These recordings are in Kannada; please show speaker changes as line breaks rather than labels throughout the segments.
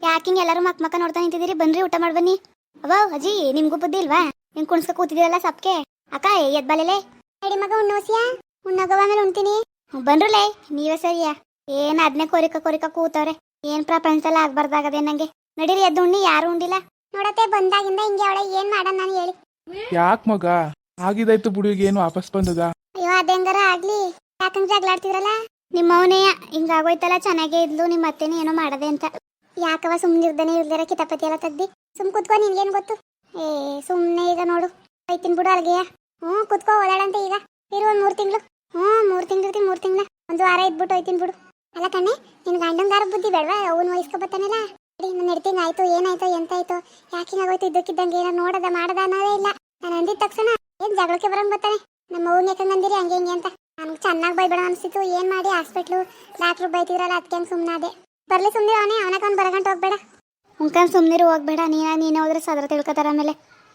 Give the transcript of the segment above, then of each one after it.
ಯಾಕಿಂಗ್ ಎಲ್ಲರೂ ಮಕ್ಕ ನೋಡ್ತಾ ನಿಂತಿದ್ದೀರಿ? ಬನ್ರಿ ಊಟ ಮಾಡಿ ಬನ್ನಿ. ಅವ್ವ ಅಜ್ಜಿ, ನಿಮ್ಗೂ ಬುದ್ಧಿ ಇಲ್ವಾ? ಹಿಂಗ್ ಕುಣ್ಸ್ಕ ಕೂತಿದ್ದೀರಲ್ಲ ಸಪ್ಕೆ. ಅಕ್ಕ ಎದ್ ಬಲೆಲೆ ನಡಿ ಮಗ, ಉಣ್ಣೋಸಿಯಾ? ಉಣ್ಣಗವ ಆಮೇಲೆ ಉಣ್ತೀನಿ. ಬನ್ರಲೇ, ನೀವೇ ಸರಿಯಾ? ಏನ್ ಅದನ್ನೇ ಕೊರಿಕ ಕೂತವ್ರೆ. ಏನ್ ಪ್ರಪಂಚದಲ್ಲಿ ಆಗ್ಬಾರ್ದಾಗದೆ ನಂಗೆ. ನಡೀರಿ ಎದ್ದು ಉಣ್ಣಿ, ಯಾರು ಉಂಡಿಲ್ಲ. ನೋಡತ್ತೆ ಬಂದಾಗಿಂದ ಹಿಂಗೆ ಅವಳೆ, ಏನ್ ಮಾಡೋಣ ನಾನು ಹೇಳಿ?
ಯಾಕ್ ಮಗ, ಆಗಿದಾಯ್ತು ಬಿಡು, ಈಗ ಏನು ವಾಪಸ್ ಬಂದದ?
ಅಯ್ಯೋ ಅದೆಂಗಾರ ಆಗ್ಲಿ, ಯಾಕಂದ್ರೆ ಜಗಳಾಡ್ತಿದ್ರಲ್ಲ ನಿಮ್ಮ ಅವನೆಯ ಹಿಂಗಾಗೋಯ್ತಲ್ಲ. ಚೆನ್ನಾಗೇ ಇದ್ಲು, ನಿಮ್ಮ ಅತ್ತೆನೇ ಏನೋ ಮಾಡದೆ ಅಂತ. ಯಾಕವ ಸುಮ್ನಿರ್ದನೆ ಇರ್ದಿರ ಕಿತಾಪತಿ ಎಲ್ಲ ತೆಗ್ದಿ ಸುಮ್ ಕುತ್ಕೊ, ನಿನ್ಗೇನ್ ಗೊತ್ತು? ಏ ಸುಮ್ನೆ ಈಗ ನೋಡು ಬೈತೀನಿ ಬಿಡು ಅಲ್ಗೆಯ. ಕುತ್ಕೋ, ಓದಾಡಂತೆ ಈಗ. ಇರು ಒಂದ್ 3 ತಿಂಗಳು. 3 ತಿಂಗಳು ಇರ್ತೀನಿ, 3 ತಿಂಗಳ ಒಂದು ವಾರ ಇದ್ಬಿಟ್ಟು ಹೋಯ್ತೀನಿ ಬಿಡು. ಅಲ್ಲ ಕಣ್ಣೆ, ನಿನ್ ಗಂಡಂಗಾರ ಬುದ್ಧಿ ಬೇಡವಾ? ಅವನು ವಯಸ್ಕೊ ಬತ್ತಾನಲ್ಲ. ನಾನು ನಡ್ತೀನಿ, ಆಯ್ತು ಏನಾಯ್ತು ಎಂತಾಯ್ತು, ಯಾಕೆ ಹಿಂಗಾಗೋಯ್ತು ಇದ್ದಕ್ಕಿದ್ದಂಗೆ ಏನೋ ನೋಡದ ಮಾಡದ ಅನ್ನೋದೇ ಇಲ್ಲ. ನಾನು ಅಂದಿದ ತಕ್ಷಣ ಏನ್ ಜಗಳಕ್ಕೆ ಬರಂಗ್ ಬರ್ತಾನೆ. ನಮ್ಮ ಅವ್ನ ಯಾಕಂಗಂದಿರಿ ಹಂಗೆ ಹಿಂಗೆ ಅಂತ. ನನ್ಗೆ ಚೆನ್ನಾಗಿ ಬೈಬೇಡ ಅನ್ಸಿತ್ತು. ಏನ್ ಮಾಡಿ ಹಾಸ್ಪಿಟ್ಲು ಡಾಕ್ಟ್ರು ಬೈತಿದ್ರಲ್ಲ, ಅದಕ್ಕೆ ಹಂಗೆ ಸುಮ್ಮನಾದೆ. ಬರ್ಲಿ ಸುಮ್ಮನೆ, ಅವನಕ್ಕೆ ಅವ್ನು ಬರಗಂಟು ಹೋಗ್ಬೇಡ. ಉಂಕನ್ ಸುಮ್ಮನಿರು, ಹೋಗ್ಬೇಡ. ನೀನೇ ಹೋದ್ರೆ ಸದ್ರ ತಿಳ್ಕೊತಾರ ಆಮೇಲೆ.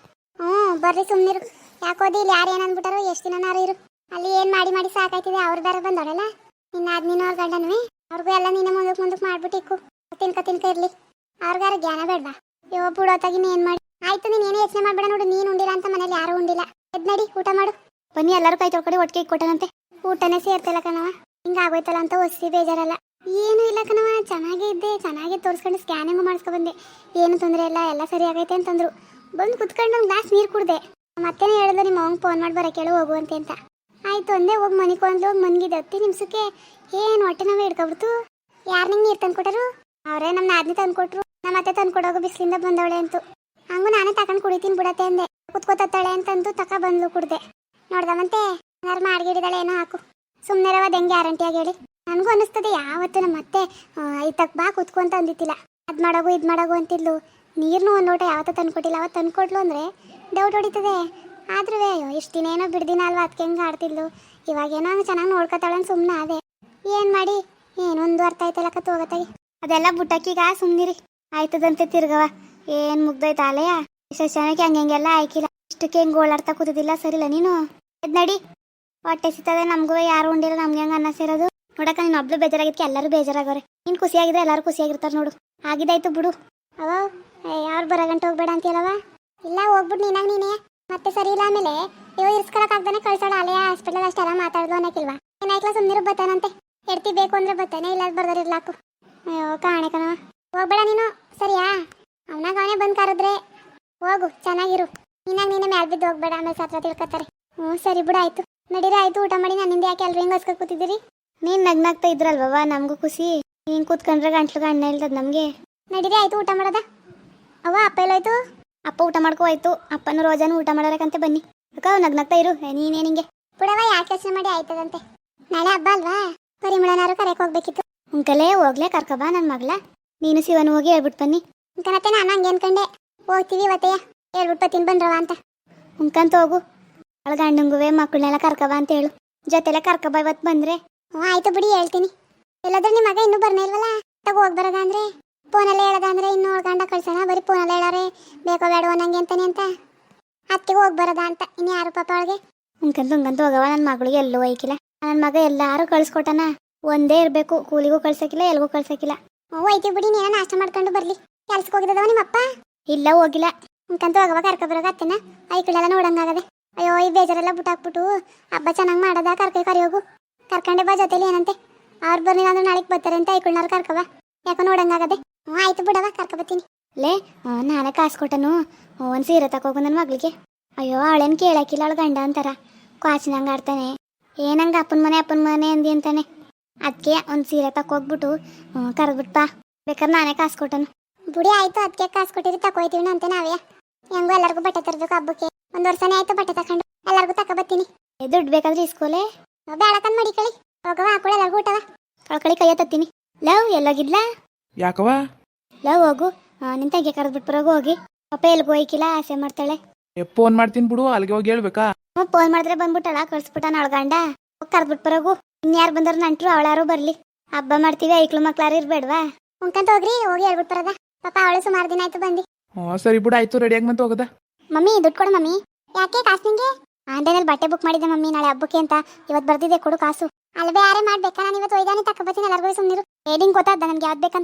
ಬರ್ರಿ ಸುಮ್ಮನಿರು. ಯಾಕೋದಿ ಇಲ್ಲಿ ಯಾರು ಏನಂದ್ಬಿಟ್ಟಾರೋ, ಎಷ್ಟು ದಿನನಾರು ಇರು. ಅಲ್ಲಿ ಏನ್ ಮಾಡಿ ಸಾಕಾಯ್ತಿದೆ. ಅವ್ರು ಬೇರೆ ಬಂದವಳಲ್ಲ, ನಿನ್ನ ಆದ್ಮೀನ ಅವ್ರ ಗಂಡನವೇ. ಅವ್ರಿಗೂ ಎಲ್ಲ ನೀನೇ ಮುಂದಕ್ಕೆ ಮಾಡ್ಬಿಟ್ಟು ಇಕ್ಕು. ತಿನ್ಕ ಇರ್ಲಿ. ಅವ್ರಿಗಾರ ಜ್ಞಾನ ಬೇಡವಾ? ಯೋ ಬಿಡೋತಾಗಿ ಏನ್ ಮಾಡಿ ಆಯ್ತು. ನೀನ್ ಏನು ಯೋಚನೆ ಮಾಡ್ಬೇಡ. ನೋಡು, ನೀನ್ ಉಂಡಿಲ್ಲ ಅಂತ ಮನೇಲಿ ಯಾರು ಉಂಡಿಲ್ಲ. ಎದ್ ನಡಿ, ಊಟ ಮಾಡು. ಬನ್ನಿ ಎಲ್ಲರೂ ಕೈ ತೊಳ್ಕೊಡಿ, ಒಟ್ಟಿಗೆ ಇಕ್ಕೊಟ್ಟನಂತೆ. ಊಟನೇ ಸೇರ್ತಿಲ್ಲ ಕಣವ, ಹಿಂಗಾಗೋಯ್ತಲ್ಲ ಅಂತ ಹೊಸಿ ಬೇಜಾರಲ್ಲ. ಏನು ಇಲ್ಲ ಕಣವ, ಚೆನ್ನಾಗೇ ಇದ್ದೆ. ಚೆನ್ನಾಗಿ ತೋರಿಸ್ಕೊಂಡು ಸ್ಕ್ಯಾನಿಂಗು ಮಾಡಿಸ್ಕೊ ಬಂದೆ. ಏನು ತೊಂದರೆ ಇಲ್ಲ, ಎಲ್ಲ ಸರಿ ಆಗೈತೆ ಅಂತಂದ್ರು. ಬಂದು ಕುತ್ಕೊಂಡು ಒಂದು ಗ್ಲಾಸ್ ನೀರು ಕುಡ್ದೆ. ಮತ್ತೇನೆ ಹೇಳಿದ್ರು, ನಿಮ್ಮ ಅವ್ನಿಗೆ ಫೋನ್ ಮಾಡಿ ಬರೋ ಕೇಳು ಹೋಗುವಂತೆ ಅಂತ. ಆಯ್ತು ಅಂದೆ. ಹೋಗಿ ಮನಿಕೊಂಡ್ಲು. ಹೋಗಿ ಮನ್ಗಿದ್ದೆ 10 ನಿಮಿಷಕ್ಕೆ ಏನು ಹೊಟ್ಟೆ ನಾವೇ ಹಿಡ್ಕೊಬಿಡ್ತು. ಯಾರು ನಿಂಗೆ ನೀರು ತಂದ್ಕೊಟ್ಟರು? ಅವರೇ ನಮ್ಮ ನಾದ್ನಿ ತಂದ್ಕೊಟ್ರು. ನಮ್ಮ ಅತ್ತೆ ತಂದ್ಕೊಡೋಗು ಬಿಸಿಲಿಂದ ಬಂದವಳೆ ಅಂತು. ಹಂಗು ನಾನೇ ತಗೊಂಡು ಕುಡಿತೀನಿ ಬಿಡತ್ತೆ ಅಂದೆ. ಕುತ್ಕೋತಾಳೆ ಅಂತಂದು ಬಂದ್ಲು, ಕುಡ್ದೆ. ನೋಡ್ದವಂತೆ ಏನಾರು ಮಾಡಿಗಿಡಿದಾಳೆ ಏನೋ ಹಾಕು. ಸುಮ್ಮನೆ ರವ ಹೆಂಗೆ ಗ್ಯಾರಂಟಿಯಾಗಿ ಹೇಳಿ. ನನಗೂ ಅನ್ನಿಸ್ತದೆ ಯಾವತ್ತು ನಮ್ಮ ಅತ್ತೆ ಇತ್ತಕ್ಕೆ ಬಾ ಕುತ್ಕೊ ಅಂತ ಅಂದಿತ್ತಿಲ್ಲ. ಅದು ಮಾಡೋಗು ಇದು ಮಾಡೋಗು ಅಂತಿದ್ಲು. ನೀರ್ನು ಒಂದು ಲೋಟ ಯಾವತ್ತೂ ತಂದ್ಕೊಟ್ಟಿಲ್ಲ. ಅವತ್ತು ತಂದ್ಕೊಟ್ಲು ಅಂದರೆ ಡೌಟ್ ಹೊಡಿತದೆ. ಆದ್ರೂ ಅಯ್ಯೋ ಇಷ್ಟು ದಿನ ಏನೋ ಬಿಡ್ದಿನ ಅಲ್ವಾ, ಅದಕ್ಕೆ ಹೆಂಗೆ ಆಡ್ತಿದ್ಲು. ಇವಾಗೇನೋ ಹಂಗೆ ಚೆನ್ನಾಗಿ ನೋಡ್ಕೊತಾಳೆ ಅಂತ ಸುಮ್ಮನೆ ಅದೇ. ಏನು ಮಾಡಿ ಏನೊಂದು ಅರ್ಥ ಆಯ್ತಲ್ಲ ಕತ್ತು ಹೋಗತ್ತಾಗಿ. ಅದೆಲ್ಲ ಬುಟ್ಟಕ್ಕೀಗ ಸುಮ್ಮನಿರಿ. ಆಯ್ತದಂತೆ ತಿರ್ಗವ. ಏನು ಮುಗ್ದೋಯ್ತು ಆಲೆಯ. ಇಷ್ಟು ಜನಕ್ಕೆ ಹಂಗೆಲ್ಲ ಆಯ್ಕಿಲ್ಲ. ಇಷ್ಟಕ್ಕೆ ಹೆಂಗೆ ಓಡಾಡ್ತಾ ಕೂತಿದ್ದಿಲ್ಲ. ಸರಿಲ್ಲ ನೀನು ಎದ್ ನಡಿ. ಹೊಟ್ಟೆ ಸಿಗ್ತದೆ ನಮಗೂ. ಯಾರು ಉಂಡಿಲ್ಲ, ನಮ್ಗೆ ಹೆಂಗೆ ಅನ್ನ ಸೇರೋದು. ನೋಡಕ್ಕ ನೀನು ಒಬ್ಳು ಬೇಜಾರಾಗಿದ್ದಕ್ಕೆ ಎಲ್ಲರೂ ಬೇಜಾರಾಗವ್ರೆ. ನೀನು ಖುಷಿಯಾಗಿದ್ರೆ ಎಲ್ಲರೂ ಖುಷಿಯಾಗಿರ್ತಾರೆ ನೋಡು. ಆಗಿದಾಯ್ತು ಬಿಡು. ಅವ ಯಾರು ಬರಗಂಟು ಹೋಗ್ಬೇಡ ಅಂತೀಯಲ್ಲವ? ಇಲ್ಲ ಹೋಗ್ಬಿಟ್ಟು ನೀನೇ ಮತ್ತೆ ಸರಿ ಇಲ್ಲ. ಆಮೇಲೆ ಇವ ಇರ್ಸ್ಕೊಳಕ್ಕಾಗ್ದಾನೆ ಕಳ್ಸೋಣ. ಅಲೆಯ ಹಾಸ್ಪಿಟಲ್ ಅಷ್ಟೆಲ್ಲ ಮಾತಾಡ್ದು ಅನ್ನಕ್ಕಿಲ್ವಾ? ಏನಾಯ್ಕಲ ಸುಮ್ಮನಿರು, ಬತ್ತಾನಂತೆ. ಎಡ್ತಿ ಬೇಕು ಅಂದ್ರೆ ಬತ್ತಾನೆ, ಇಲ್ಲ ಬರ್ದಾರಿರ್ಲಾಕು. ಅಯ್ಯೋ ಕಾಣೆ ಕಣವ, ಹೋಗ್ಬೇಡ ನೀನು ಸರಿಯಾ? ಅವನಾಗ ಅವನೇ ಬಂದು ಕರೆದ್ರೆ ಹೋಗು, ಚೆನ್ನಾಗಿರು. ನೀನೇ ಮ್ಯಾಲ್ ಬಿದ್ದು ಹೋಗ್ಬೇಡ, ಆಮೇಲೆ ಸತ್ರ ತಿಳ್ಕೊತಾರೆ. ಸರಿ ಬಿಡು, ಆಯ್ತು ನಡೀರಿ. ಆಯ್ತು ಊಟ ಮಾಡಿ. ನನ್ನಿಂದ ಯಾಕೆ ಎಲ್ರು ಹಿಂಗೆ ಹೊಸ್ಕ ಕೂತಿದ್ದೀರಿ? ನೀನು ನಗ್ನಾಗ್ತಾ ಇದ್ರಲ್ವವ, ನಮಗೂ ಖುಷಿ. ಹಿಂಗೆ ಕೂತ್ಕೊಂಡ್ರೆ ಗಂಟ್ಲು ಗಣ್ಣ ಇಲ್ದದ ನಮಗೆ. ನಡೀರಿ ಆಯ್ತು ಊಟ ಮಾಡೋದ. ಅವ್ವ ಅಪ್ಪ ಎಲ್ಲೋಯ್ತು? ಅಪ್ಪ ಊಟ ಮಾಡ್ಕೋ ಆಯ್ತು. ಅಪ್ಪನೂ ರೋಜಾನು ಊಟ ಮಾಡೋರಕ್ಕಂತೆ. ಬನ್ನಿ ಅಕ್ಕ, ನಗ್ನಾಗ್ತಾ ಇರು. ನೀನೇ ನಿಂಗೆ ಬಿಡವ, ಯಾಕೆ ಯೋಚನೆ ಮಾಡಿ ಆಯ್ತದಂತೆ. ನಾಳೆ ಹಬ್ಬ ಅಲ್ವಾ, ಪರಿಮಳನಾರು ಕರೆಯಕ್ಕೆ ಹೋಗ್ಬೇಕಿತ್ತು. ಉಂಕಲೇ ಹೋಗ್ಲೇ ಕರ್ಕಬಾ ನನ್ನ ಮಗಳ. ನೀನು ಶಿವನು ಹೋಗಿ ಹೇಳ್ಬಿಟ್ಟು ಬನ್ನಿ. ಉಂಕನತ್ತೆ ನಾನು ಹಂಗೆ ಅನ್ಕಂಡೆ ಹೋಗ್ತೀವಿ ಇವತ್ತೆಯ ಹೇಳ್ಬಿಟ್ಟು ಬತ್ತೀನಿ ಬನ್ರವ ಅಂತ. ಉಂಕಂತ ಹೋಗು. ಅವಳ ಗಂಡಂಗುವೆ ಮಕ್ಕಳನ್ನೆಲ್ಲ ಕರ್ಕಬಾ ಅಂತ ಹೇಳು. ಜೊತೆಲೆ ಕರ್ಕಬಾ ಇವತ್ತು ಬಂದ್ರೆ. ಆಯ್ತು ಬಿಡಿ, ಹೇಳ್ತೀನಿ. ಎಲ್ಲಾದ್ರೂ ನಿಮ್ಮ ಮಗ ಇನ್ನೂ ಬರ್ನೇ ಇಲ್ವಲ್ಲ, ತಗ ಹೋಗಿ ಬರೋದ ಅಂದ್ರೆ. ಫೋನಲ್ಲಿ ಹೇಳೋದ ಅಂದ್ರೆ ಇನ್ನೂ ಗಂಡ ಕಳ್ಸೋಣ. ಬರೀ ಫೋನಲ್ಲಿ ಹೇಳೋರೆ ಬೇಕೋ ಬೇಡವೋ ನಂಗೆ ಅಂತಾನೆ ಅಂತ. ಅದಕ್ಕೆ ಹೋಗಿ ಬರೋದ ಅಂತ. ಇನ್ನು ಯಾರು ಪಾಪ ಅವಳಿಗೆ. ಉಂಕಂತ ಹೋಗವ. ನನ್ನ ಮಗಳಿಗೆ ಎಲ್ಲೂ ಒಯ್ಕಿಲ್ಲ. ನನ್ನ ಮಗ ಎಲ್ಲಾರು ಕಳ್ಸ್ಕೊಟ್ಟನ. ಒಂದೇ ಇರಬೇಕು, ಕೂಲಿಗೂ ಕಳ್ಸಕ್ಕಿಲ್ಲ, ಎಲ್ಗೂ ಕಳ್ಸಕ್ಕಿಲ್ಲ. ಹೋಯ್ತೀವಿ ಬಿಡಿ, ನೀನ ನಾಷ್ಟ ಮಾಡ್ಕೊಂಡು ಬರ್ಲಿ. ಕೆಲ್ಸಕ್ಕೆ ಹೋಗಿದ್ದವ ನಿಮ್ಮಪ್ಪ? ಇಲ್ಲ ಹೋಗಿಲ್ಲ. ಉಂಕಂತ ಹೋಗವ, ಕರ್ಕೊಬರೋಗ ಅತ್ತೆನ. ಐಕಳೆಲ್ಲ ನೋಡಂಗಾಗದೆ. ಅಯ್ಯೋ ಈ ಬೇಜಾರೆಲ್ಲ ಬಿಟ್ಟಾಕ್ಬಿಟ್ಟು ಹಬ್ಬ ಚೆನ್ನಾಗಿ ಮಾಡೋದ. ಕರಿಯೋಗು. ಕರ್ಕೊಂಡೆ ಬಾ ಜೊತೆಲಿ ಏನಂತೆ. ಅವ್ರು ಬರ್ಲಿಲ್ಲ ಅಂದ್ರೆ ನಾಳೆಗೆ ಬರ್ತಾರೆ ಅಂತ ಐಕಳ್ನಾರು ಕರ್ಕವ. ಯಾಕೋ ನೋಡಂಗಾಗದೆ. ಆಯ್ತು ಬಿಡವ, ಕರ್ಕೊಬತ್ತೀನಿ. ಲೇ ನಾನೇ ಕಾಸು ಕೊಟ್ಟನು. ಒಂದು ಸೀರೆ ತಕೋಗು ನನ್ನ ಮಗಳಿಗೆ. ಅಯ್ಯೋ ಅವಳೇನು ಕೇಳಕ್ಕಿಲ್ಲ, ಅವಳು ಗಂಡ ಅಂತಾರ ಕ್ವಾಚಿನಂಗೆ ಆಡ್ತಾನೆ. ಏನಂಗ ಅಪ್ಪನ ಮನೆ ಅಂದಿ ಅಂತಾನೆ. ಅದಕ್ಕೆ ಒಂದು ಸೀರೆ ತಕೋಗ್ಬಿಟ್ಟು ಕರೆದ್ಬಿಟ್ಟು ಬಾ. ಬೇಕಾದ್ರೆ ನಾನೇ ಕಾಸು ಕೊಟ್ಟನು. ಬುಡಿ ಆಯ್ತು, ಅದಕ್ಕೆ ಕಾಸು ಕೊಟ್ಟಿರಿ ತಕೋಯ್ತೀವಿ ಅಂತ ನಾವೇ. ಹೆಂಗೋ ಎಲ್ಲರಿಗೂ ಬಟ್ಟೆ ತರಬೇಕು ಹಬ್ಬಕ್ಕೆ. 1 ವರ್ಷನೇ ಆಯ್ತು ಬಟ್ಟೆ ತಕೊಂಡು. ಎಲ್ಲರಿಗೂ ತಕೊಬತ್ತೀನಿ. ದುಡ್ಡು ಬೇಕಾದ್ರೆ ಇಸ್ಕೋಲೆ. ಬೇಡಕಂದ್ ಮಾಡಿ ಕಳಿ. ಹೋಗವ, ಹಾಕೊಳ್ಳಿ ಎಲ್ಲರಿಗೂ ಊಟವ. ಕಳ್ಕಳಿ ಕೈಯ ತತ್ತೀನಿ. ಲವ್ ಎಲ್ಲೋಗಿದ್ಲಾ?
ಯಾಕವ?
ಲವ್ ಹೋಗು, ನಿನ್ ತಂಗಿ ಕರೆದ್ಬಿಟ್ಟು ಬರೋಗು. ಹೋಗಿ ಪಾಪ ಎಲ್ಗೂ ಹೋಯ್ಕಿಲ್ಲ, ಆಸೆ ಮಾಡ್ತಾಳೆ.
ಫೋನ್ ಮಾಡ್ತೀನಿ ಬಿಡು, ಅಲ್ಲಿಗೆ ಹೋಗಿ ಹೇಳ್ಬೇಕಾ?
ಫೋನ್ ಮಾಡಿದ್ರೆ ಬಂದ್ಬಿಟ್ಟಳ, ಕಳ್ಸ್ಬಿಟ್ಟಾನ ಅವಳ ಕರೆದ್ಬಿಟ್ಟು ಬರೋಗು. ಇನ್ಯಾರು ಬಂದರು ನಂಟ್ರು, ಅವಳಾರು ಬರ್ಲಿ. ಹಬ್ಬ ಮಾಡ್ತೀವಿ, ಐಕ್ಳು ಮಕ್ಳಾರು ಇರ್ಬೇಡ್ವಾ? ಉಂಕಂತ ಹೋಗ್ರಿ, ಹೋಗಿ ಹೇಳ್ಬಿಟ್ಟು ಬರದ. ಪಾಪ ಅವಳು ಸುಮಾರು ದಿನ ಆಯ್ತು ಬಂದು.
ಸರಿ ಬಿಡು, ಆಯ್ತು ರೆಡಿಯಾಗಿ ಮತ್ತೆ ಹೋಗದ.
ಮಮ್ಮಿ ದುಡ್ಡು ಕೊಡು ಮಮ್ಮಿ. ಯಾಕೆ ಕಾಸು ನಿಂಗೆ? ಆನ್ಲೈನಲ್ಲಿ ಬಟ್ಟೆ ಬುಕ್ ಮಾಡಿದ್ದೆ ಮಮ್ಮಿ, ನಾಳೆ ಹಬ್ಬಕ್ಕೆ ಅಂತ. ಇವತ್ತು ಬರ್ದಿದೆ, ಕೊಡು ಕಾಸು. ಅಲ್ವೇ ಯಾರೇ ಮಾಡ್ಬೇಕಾ? ನಾನು ಇವತ್ತು ಒಯ್ದಾನೆ ತಕೊಬತ್ತೀನಿ. ಎಲ್ಲರಿಗೂ ಸುಮ್ಮನಿರು. ರೇಡಿಂಗ್ ಗೊತ್ತಾದ ನನ್ಗೆ ಯಾವ್ದು ಬೇಕಂತ.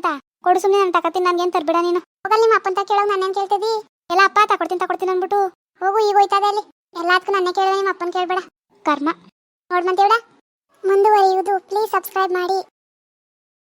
ಕೊಡು ಸುಮ್ಮನೆ ನಾನು ತಗೋತೀನಿ, ನನ್ಗೇನು ತರ್ಬೇಡ ನೀನು. ಹೋಗಲ್ಲ ನಿಮ್ಮ ಅಪ್ಪಂತ ಕೇಳೋದು ನನ್ನೇನು ಕೇಳ್ತಿದ್ದಿ? ಎಲ್ಲ ಅಪ್ಪ ತಗೊಡ್ತೀನಿ ಅಂದ್ಬಿಟ್ಟು ಹೋಗು, ಈಗ ಹೋಯ್ತದೆ ಅಲ್ಲಿ. ಎಲ್ಲದಕ್ಕೂ ನನ್ನೇ ಕೇಳಿದ್ರೆ ನಿಮ್ಮ ಅಪ್ಪನ ಕೇಳಬೇಡ. ಕರ್ಮ ನೋಡ್ ಮಂತೇವಡ. ಮುಂದುವರಿಯುವುದು. ಪ್ಲೀಸ್ ಸಬ್ಸ್ಕ್ರೈಬ್ ಮಾಡಿ.